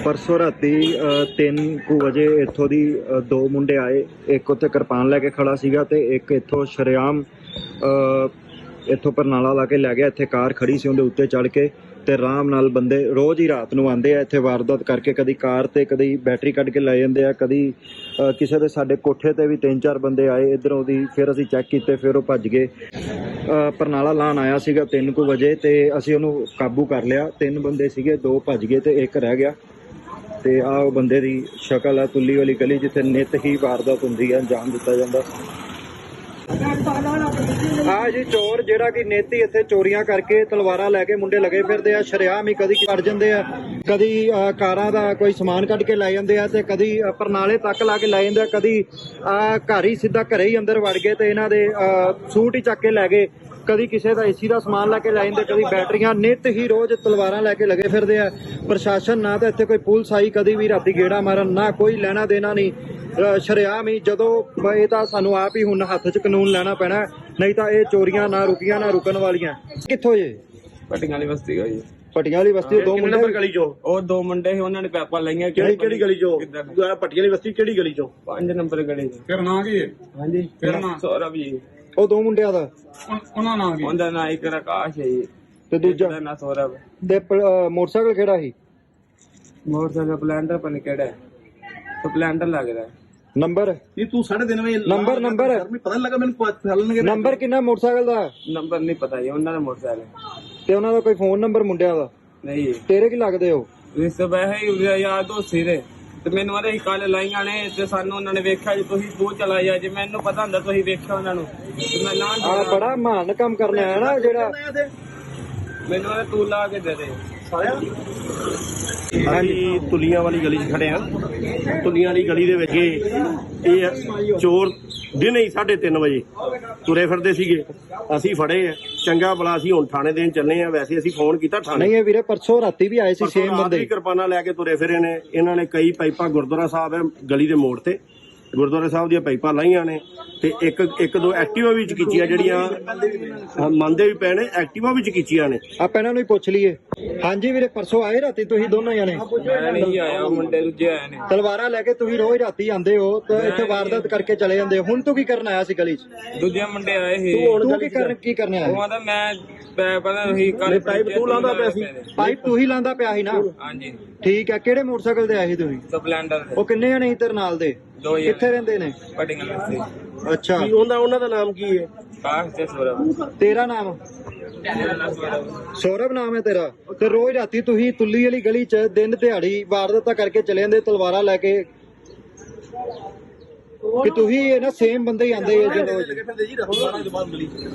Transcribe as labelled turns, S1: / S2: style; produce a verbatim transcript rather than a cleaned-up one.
S1: परसों राती तीन कु वजे इत्थों दी दो मुंडे आए, एक उत्थे किरपान लैके खड़ा सीगा ते एक इत्थों शरेआम इत्थों परनाला ला के लै गया। इत्थे कार खड़ी सी, उहदे उत्ते चढ़ के ते आराम नाल बंदे रोज़ ही रात नूं आंदे आ इत्थे वारदात करके, कदी कार ते कदी बैटरी कढ के लै जांदे आ, कदी किसी दे साडे कोठे ते भी तीन चार बंदे आए इधरों दी। फिर असीं चैक कीते, फिर वो भज गए। परनाला लाण आया सीगा तीन कु वजे ते असीं उहनूं काबू कर लिया। तीन बंदे सीगे, दो भज गए ते एक रह गया। ते आ वो बंदे दी शक्ल है, तुल्ली वाली गली जिथे नित ही वारदात हुंदी है, अंजाम दिता जांदा। आ जी चोर जिहड़ा कि नित ही इत्थे चोरियां करके तलवारां लैके मुंडे लगे फिरदे आ, शरेआम ही कदी कट जांदे आ, कदी कारां दा कोई समान कढ के लै जांदे आ ते कदी परनाले तक ला के लै जांदे आ, कदी घर ही सीधा घरे ही अंदर वड़ गए ते इन्हां दे सूट ही चक के लै गए, कदी किसी का एसी का समान लैके लै जांदे, कदी बैटरियां। नित ही रोज तलवारां लैके लगे फिरदे आ। प्रशासन ना तो इत्थे कोई पुलिस आई कदी भी राती गेड़ा मारन, ना कोई लेना देना नहीं, शरेआम ही। जदों ये तां सानूं आप ही हुण हत्थ च कानून लैना पैना, नहीं तां ये चोरियां ना रुकियां ना रुकण वालियां। कित्थों जे?
S2: पट्टियां वाली बस्ती होई।
S1: पट्टियां वाली बस्ती दो मुंडे
S3: गली चो
S2: ਉਹ ਦੋ ਮੁੰਡੇ ਸੀ, ਉਹਨਾਂ ਨੇ ਪੈਪਾਂ ਲਾਈਆਂ।
S3: ਕਿਹੜੀ ਕਿਹੜੀ ਗਲੀ ਚੋ? ਪੱਟੀਆਂ ਵਾਲੀ ਬਸਤੀ ਕਿਹੜੀ ਗਲੀ ਚੋ?
S2: ਪੰਜ ਨੰਬਰ ਗਲੀ ਚ।
S3: ਫਿਰ ਨਾਂ ਕੀ ਹੈ?
S2: ਹਾਂਜੀ
S3: ਫਿਰ ਨਾਂ?
S2: ਸੌਰਵ ਜੀ।
S1: ਉਹ ਦੋ ਮੁੰਡਿਆਂ ਦਾ
S3: ਉਹਨਾਂ ਨਾਂ ਕੀ?
S2: ਉਹਦਾ ਨਾਂ ਇੱਕ ਆਕਾਸ਼ ਹੈ ਜੀ
S1: ਤੇ ਦੂਜਾ
S2: ਉਹਦਾ ਨਾਂ ਸੌਰਵ।
S1: ਦੇ ਮੋਟਰਸਾਈਕਲ ਕਿਹੜਾ ਸੀ?
S2: ਮੋਟਰਸਾਈਕਲ ਸਪਲੈਂਡਰ ਪਨ ਕਿਹੜਾ ਹੈ? ਸਪਲੈਂਡਰ ਲੱਗਦਾ।
S1: ਨੰਬਰ
S3: ਨਹੀਂ ਤੂੰ ਸਾਢੇ ਤਿੰਨ ਵਜੇ
S1: ਨੰਬਰ ਨੰਬਰ
S3: ਪਤਾ ਲੱਗਾ ਮੈਨੂੰ ਚੱਲਣਗੇ।
S1: ਨੰਬਰ ਕਿੰਨਾ ਮੋਟਰਸਾਈਕਲ ਦਾ?
S2: ਨੰਬਰ ਨਹੀਂ ਪਤਾ ਜੀ ਉਹਨਾਂ ਦਾ ਮੋਟਰਸਾਈਕਲ।
S1: ਤੇ ਉਹਨਾਂ ਦਾ ਕੋਈ ਫੋਨ ਨੰਬਰ ਮੁੰਡਿਆਂ ਦਾ?
S2: ਨਹੀਂ
S1: ਤੇਰੇ ਕੀ ਲੱਗਦੇ ਹੋ?
S2: ਇਸ ਤੋਂ ਵੈਸੇ ਯਾਦ ਹੋ ਸੀਰੇ ਤੇ ਮੈਨੂੰ ਆਦੇ ਕੱਲ ਲਾਈਆਂ ਨੇ ਤੇ ਸਾਨੂੰ ਉਹਨਾਂ ਨੇ ਵੇਖਿਆ ਜੀ, ਤੁਸੀਂ ਤੂੰ ਚਲਾਈ ਆ। ਜੇ ਮੈਨੂੰ ਪਤਾ ਹੁੰਦਾ ਤੁਸੀਂ ਵੇਖਿਆ ਉਹਨਾਂ ਨੂੰ ਤੇ ਮੈਂ ਨਾ
S1: ਆ ਬੜਾ ਮਹਾਨ ਕੰਮ ਕਰਨਾ ਹੈ ਨਾ ਜਿਹੜਾ।
S2: ਮੈਨੂੰ ਆਦੇ ਤੂੰ ਲਾ ਕੇ ਦੇ ਦੇ
S3: ਸਾਰਿਆਂ ਹਾਂਜੀ ਤੁਲੀਆਂ ਵਾਲੀ ਗਲੀ 'ਚ ਖੜੇ ਆ। ਤੁਲੀਆਂ ਵਾਲੀ ਗਲੀ ਦੇ ਵਿੱਚ ਇਹ ਚੋਰ ਦਿਨੇ ਹੀ ਸਾਢੇ ਤਿੰਨ ਵਜੇ ਤੁਰੇ ਫਿਰਦੇ ਸੀਗੇ। ਅਸੀਂ ਫੜੇ ਆ, ਚੰਗਾ ਭਲਾ ਅਸੀਂ ਹੁਣ ਥਾਣੇ ਦੇਣ ਚੱਲੇ ਆ। ਵੈਸੇ ਅਸੀਂ ਫੋਨ ਕੀਤਾ ਥਾਣੇ।
S1: ਨਹੀਂ ਇਹ ਵੀਰੇ ਪਰਸੋਂ ਰਾਤੀ ਵੀ ਆਏ ਸੀ ਸੇਮ ਬੰਦੇ,
S3: ਕਿਰਪਾਨਾਂ ਲੈ ਕੇ ਤੁਰੇ ਫਿਰੇ ਨੇ। ਇਹਨਾਂ ਨੇ ਕਈ ਪਾਈਪਾਂ ਗੁਰਦੁਆਰਾ ਸਾਹਿਬ ਹੈ ਗਲੀ ਦੇ ਮੋੜ ਤੇ, ਗੁਰਦੁਆਰਾ ਸਾਹਿਬ ਦੀਆਂ ਪਾਈਪਾਂ ਲਾਈਆਂ ਨੇ ਤੇ ਇੱਕ ਇੱਕ ਦੋ ਐਕਟਿਵਾ ਵੀ ਚਕੀਚੀਆਂ ਜਿਹੜੀਆਂ ਮੰਨਦੇ ਵੀ ਪਏ ਨੇ, ਐਕਟਿਵਾ ਵੀ ਚਕੀਚੀਆਂ ਨੇ।
S1: ਆਪਾਂ ਇਹਨਾਂ ਨੂੰ ਹੀ ਪੁੱਛ ਲਈਏ। ਹਾਂਜੀ ਵੀਰੇ ਪਰਸੋਂ ਆਏ ਰਾਤੀ ਤੁਸੀਂ ਦੋਨੋਂ ਜਣੇ?
S2: ਮੈਂ ਨਹੀਂ ਆਇਆ, ਮੁੰਡੇ ਦੂਜੇ ਆਏ ਨੇ।
S1: ਤਲਵਾਰਾਂ ਲੈ ਕੇ ਤੁਸੀਂ ਰੋਜ਼ ਰਾਤੀ ਆਂਦੇ ਹੋ ਤੇ ਇੱਥੇ ਵਾਰਦਾਤ ਕਰਕੇ ਚਲੇ ਜਾਂਦੇ ਹੋ। ਹੁਣ ਤੂੰ ਕੀ ਕਰਨ ਆਇਆ ਸੀ ਗਲੀ 'ਚ?
S2: ਦੂਜੇ ਮੁੰਡੇ ਆਏ ਸੀ।
S1: ਤੂੰ ਕੀ ਕਰਨ ਕੀ ਕਰਨ ਆਇਆ?
S2: ਉਹ ਆਂਦਾ ਮੈਂ ਪਤਾ ਨਹੀਂ ਕੱਲ
S3: ਪਾਈਪ ਤੂੰ ਲਾਉਂਦਾ ਪਿਆ ਸੀ?
S1: ਪਾਈਪ ਤੂੰ ਹੀ ਲਾਂਦਾ ਪਿਆ ਸੀ ਨਾ?
S2: ਹਾਂਜੀ
S1: ਠੀਕ ਹੈ। ਕਿਹੜੇ ਮੋਟਰਸਾਈਕਲ ਤੇ ਆਏ ਸੀ ਤੁਸੀਂ?
S2: ਸਪਲੈਂਡਰ
S1: ਉਹ ਕਿੰਨੇ ਜਣੇ ਸੀ ਤੇਰੇ ਨਾਲ ਦੇ?
S2: ਦੋ ਹੀ
S1: ਕਿੱਥੇ ਰਹਿੰਦੇ ਨੇ?
S2: ਪਟਿੰਗਲ ਵਿੱਚ।
S1: ਅੱਛਾ,
S3: ਕੀ ਉਹਦਾ ਉਹਨਾਂ ਦਾ ਨਾਮ ਕੀ ਹੈ?
S2: ਕਾਸ਼ ਤੇ ਸੌਰਵ।
S1: ਤੇਰਾ ਨਾਮ?
S2: ਮੇਰਾ ਨਾਮ ਸੌਰਵ।
S1: ਸੌਰਵ ਨਾਮ ਹੈ ਤੇਰਾ। ਤੇ ਰੋਜ਼ ਰਾਤੀ ਤੁਸੀਂ ਤੁੱਲੀ ਵਾਲੀ ਗਲੀ 'ਚ ਦਿਨ ਦਿਹਾੜੀ ਵਾਰਦਾਤਾਂ ਕਰਕੇ ਚਲੇ ਜਾਂਦੇ ਤਲਵਾਰਾਂ ਲੈ ਕੇ, ਕਿ ਤੁਸੀਂ ਇਹ ਨਾ ਸੇਮ ਬੰਦੇ ਹੀ ਆਂਦੇ ਜਦੋਂ